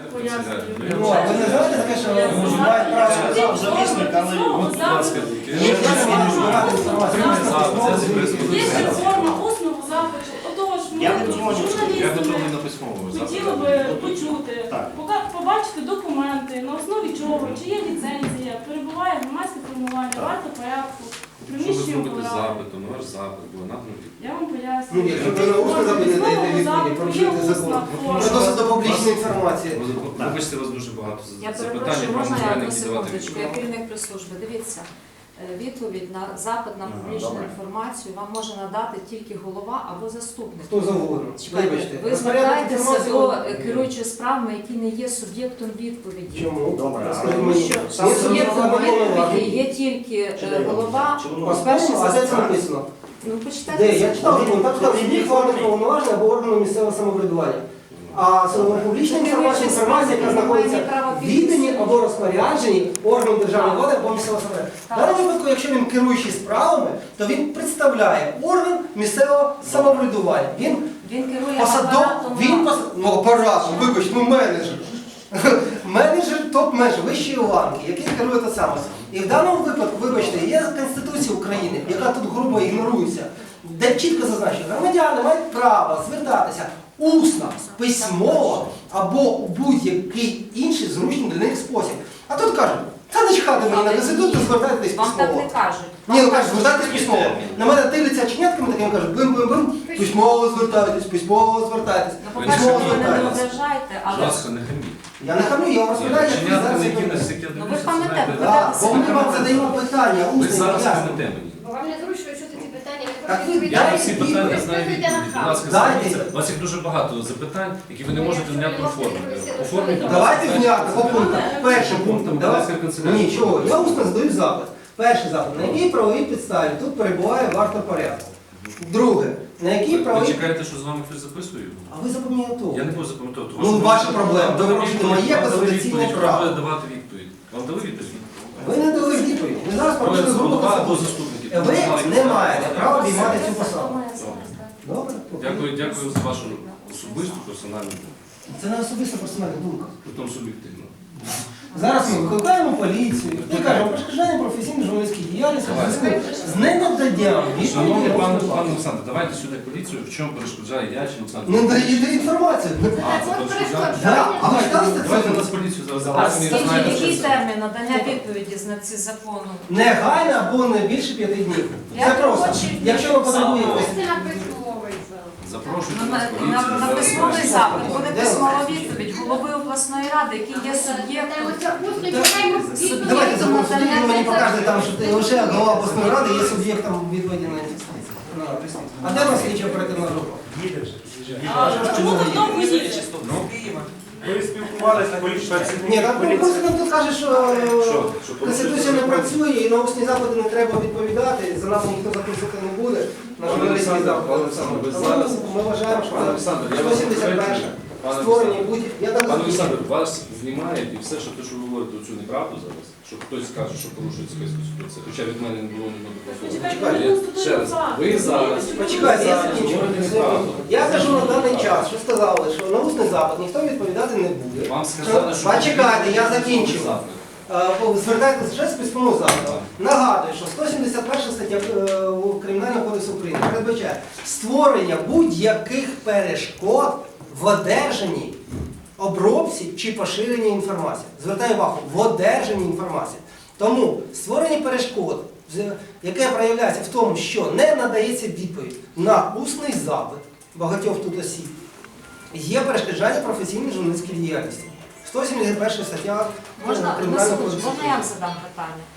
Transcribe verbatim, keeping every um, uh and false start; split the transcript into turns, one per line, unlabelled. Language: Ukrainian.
пояснюю.
Ну, а ви не знаєте таке, що ви маєте право
Він
Завісник, але
письмового
будь ласка,
запиту.
тільки.
Є
Це
форма усного запиту. Отож, ми,
Я не думаю, що
журналісти,
я готовий на письмовому
хотіли би почути,
Так.
пока- побачити документи, на основі чого, чи є ліцензія, перебуває громадське формування,
Так.
варто порядку,
Що ви
приміщення
зробите
управління.
запиту, на ваш запит, було наданий.
Я вам
Ну,
пояснюю.
якщо ви на усне запит не даєте відповіді, порушуєте закон. Це досить до публічної інформації.
Вибачте, у вас дуже багато
Я
запитань,
перепрошую, можна я
правильно
одну
давати
секундочку, я керівник прес-служби. Дивіться, е, відповідь на запит на
Ага,
публічну
добре.
інформацію вам може надати тільки голова або заступник.
Хто завгодно.
Чекайте,
Вибачте.
ви
Розпорядок
звертаєтеся
інформації-
до е, керуючої справами, які не є суб'єктом відповіді.
Чому?
Добре,
Розкажіть
але
мені.
Що
Є
суб'єктом
суб'єктом
відповіді
відповіді.
є тільки е,
Чудово.
голова,
Чудово.
перший
А де це
заступник.
написано?
Ну,
Де?
почитайте.
Я читав закон, там сказав, що є форми повноваження або органу місцевого самоврядування. А публічна інформація, інформація, яка знаходиться в відданні або розпорядженні органу державної влади або місцевого самоврядування. В даному випадку, якщо він керуючий справами, то він представляє орган місцевого самоврядування. Він
Він керує
посадов,
апаратом.
він пос... ну, апаратом, вибач, ну менеджер. Менеджер топ-менеджер, вищої ланки, який керує те саме. І в даному випадку, вибачте, є Конституція України, яка тут грубо ігнорується, де чітко зазначено, громадяни мають право звертатися усно, письмово або у будь-який інший зручний для них спосіб. А тут кажуть, та не чхати мені на Конституцію, звертайтесь
Вам так
письмово.
не кажуть.
Ні, ну кажуть, звертайтесь письмово. На мене дивляться чинятками такими кажуть, бим-бим-бим, письмово звертайтесь, письмово звертайтесь,
Ну, по-перше,
письмово
ви мене не
звертайтесь.
ображаєте,
Будь
але
ласка, не хаміть.
Я не хамлю, я вам розповідаю, як ви
Чинятки,
зараз
на які
робите.
нас яке
Ну, ви
дивитися,
пам'ятаєте,
знаєте,
Так, бо ми вам задаємо питання,
ви
усне,
зараз
ясне.
хамите мені.
Бо вам не зручно чути ці питання, ви
Так ви
хочете
Я
дайте
на всі
відповідь.
питання знаю
Ви
відповіді.
відповідь.
Будь ласка,
Дайте.
зверніться. У вас їх дуже багато запитань, які ви не можете внятно оформити. Оформіть.
Давайте внятно, по пунктам. Першим пунктом.
Пунктом, будь
Давайте.
ласка, канцелярія.
Ні, чого, я усно задаю запит. Перший запит. На якій правовій підставі тут перебуває варто порядку? Друге. На якій
Ви
правовій...
чекаєте, що з вами хтось записує?
А ви запам'ятовуєте.
Я не буду запам'ятовувати.
Ну, ваша проблема. Ви порушуєте моє конституційне право.
Ви давати відповідь. Вам дали відповідь?
Ви не дали відповідь. Ви зараз порушили грубу
Голова або
конституцію.
заступники.
Ви не маєте права обіймати цю посаду.
Має зараз, так.
Добре?
Дякую, дякую за вашу особисту персональну,
Це не особиста персональна думка.
потім суб'єктивну.
Зараз ми викликаємо поліцію і кажемо перешкоджання професійної журналістської діяльності в зв'язку з ненадданням
Шановний
відповіді.
пане пане Олександр, давайте сюди поліцію, в чому перешкоджає я чи Олександр?
Не даєте інформацію.
А, це перешкоджає?
Да. А ви читали
Давайте
статтю?
нас поліцію зараз
А
залазимо і
скільки,
знаєте,
який
що це.
термін надання відповіді з на ці закону?
Негайно або не більше п'яти днів. Це
Я
просто.
хочу-
Якщо ви потребуєте.
Це на письмовий запит.
Запрошуйте
Ну,
нас
на,
поліцію.
на, на
зараз
письмовий
знаєте.
запит буде
Де
письмова
ви?
відповідь голови обласної ради, який є суб'єктом.
Оце усно чекаємо відповіді.
Давайте
від
замовити,
надання
ви мені
це-
покажете там, що ти- лише голова обласної ради є суб'єктом відводі на на присутність. А де у нас слідча оперативна група?
А чому ви вдома їдете?
Ми спілкувалися на поліції.
Ні, там просто тут каже, що
Що? Що
Конституція не працює і на усні запити не треба відповідати, за нас ніхто записувати не буде. На
Пане
журналістський
Олександр,
запит.
пане Олександр, ви
Тому
зараз-
ми вважаємо, що
Пане Олександр, я вас
сто сімдесят перше
Пане
створення
Олександр.
будь... Я так
Пане Олександр, вас знімають і все, що те, що ви говорите, оцю неправду зараз, що хтось скаже, що порушується якась конституція, хоча від мене не було ні одного
Почекайте,
слова.
ви
Я-
констатуєте
Ще раз,
факт.
ви зараз,
Почекайте, я
зараз
закінчу.
говорите неправду.
Я кажу на даний час, що сказали, що на усний запит ніхто відповідати не буде.
Вам сказали, що...
Почекайте, я закінчив.
Запит.
Е, Звертайтеся вже з письмового запиту. Нагадую, що сто сімдесят перша стаття е, Кримінального кодексу України передбачає створення будь-яких перешкод в одержанні, обробці чи поширенні інформації. Звертаю увагу, в одержанні інформації. Тому створення перешкод, з- яке проявляється в тому, що не надається відповідь на усний запит багатьох тут осіб, є перешкоджання професійної журналістської діяльності. сто сімдесят перша стаття
Можна, на
Кримінального
секундочку,
кодексу
можна я вам
України.
задам питання?